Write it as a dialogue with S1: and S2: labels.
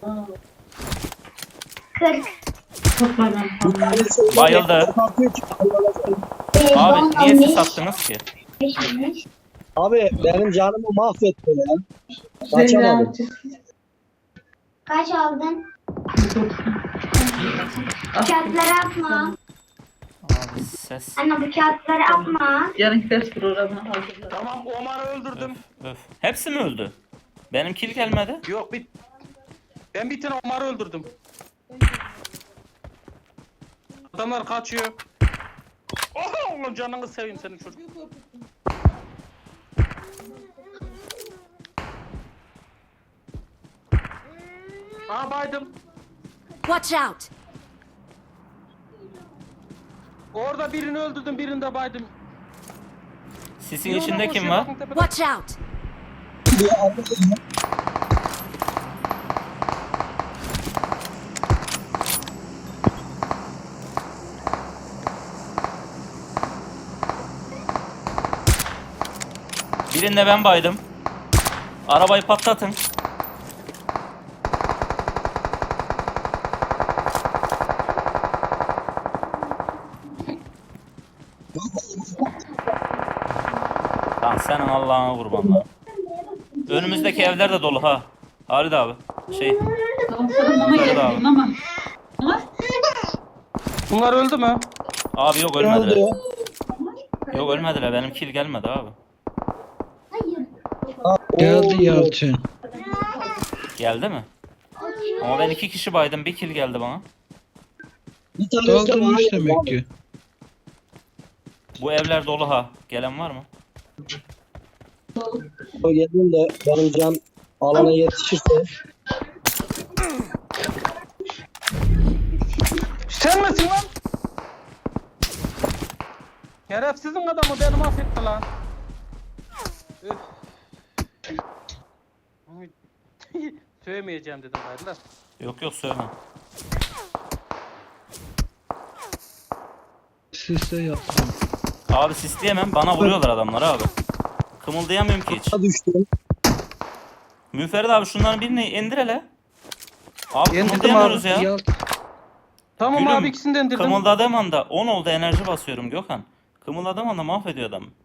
S1: 40.
S2: Bayıldı. Abi niye siz attınız ki?
S3: Abi benim canımı mahvetti ya. Kaçamadım.
S1: Kaç aldın? Kağıtları atma.
S2: Abi ses.
S1: Anne bu kağıtları atma.
S4: Yarın ders programına hazırlar.
S5: Tamam Omar'ı öldürdüm.
S2: Öf. Hepsi mi öldü? Benim kill gelmedi.
S5: Yok ben bir tane Omar'ı öldürdüm. Adamlar kaçıyor. Oha oğlum canını seveyim senin çocuk. Aa baydım.
S6: Watch out!
S5: Orada birini öldürdüm, birini de baydım.
S2: Sisin
S5: Biri
S2: içinde
S5: oradan
S2: kim
S5: koşuyor,
S2: var?
S5: bakın tepede.
S6: Watch out!
S2: Birinde ben baydım. Arabayı patlatın. Lan senin Allah'ına kurban lan. Önümüzdeki evler de dolu ha. Halid abi.
S4: Tamam sana bana
S2: Yukarıda abi.
S4: geldim ama. Ama
S5: Bunlar öldü mü?
S2: Abi yok ölmediler. Yok ölmediler. Benim kill gelmedi abi.
S7: Geldi Yalçın.
S2: Geldi mi? Ama ben 2 kişi baydım. Bir kill geldi bana.
S3: Bir tanesi de bana
S7: Kaldırmış
S3: geldi
S7: demek
S3: abi.
S7: ki.
S2: Bu evler dolu ha. Gelen var mı?
S3: O geldim de benim can alana yetişirse.
S5: Sen misin lan? Şerefsizin adamı beni mahvetti lan. Üf. Sövmeyeceğim dedim hayırlar.
S2: Yok yok söyleme.
S7: Siste yaptım.
S2: Abi sisleyemem. Bana vuruyorlar adamlar abi. Kımıldayamıyorum ki hiç.
S3: Düştüm.
S2: Müferit abi şunların birini indir hele. Abi
S5: İndirdim
S2: kımıldayamıyoruz ya.
S7: Yalçın.
S5: Tamam
S2: Gülüm,
S5: abi ikisinden indirdim.
S2: Kımıldadığım anda 10 oldu enerji basıyorum Gökhan. Kımıldadığım anda mahvediyor adam.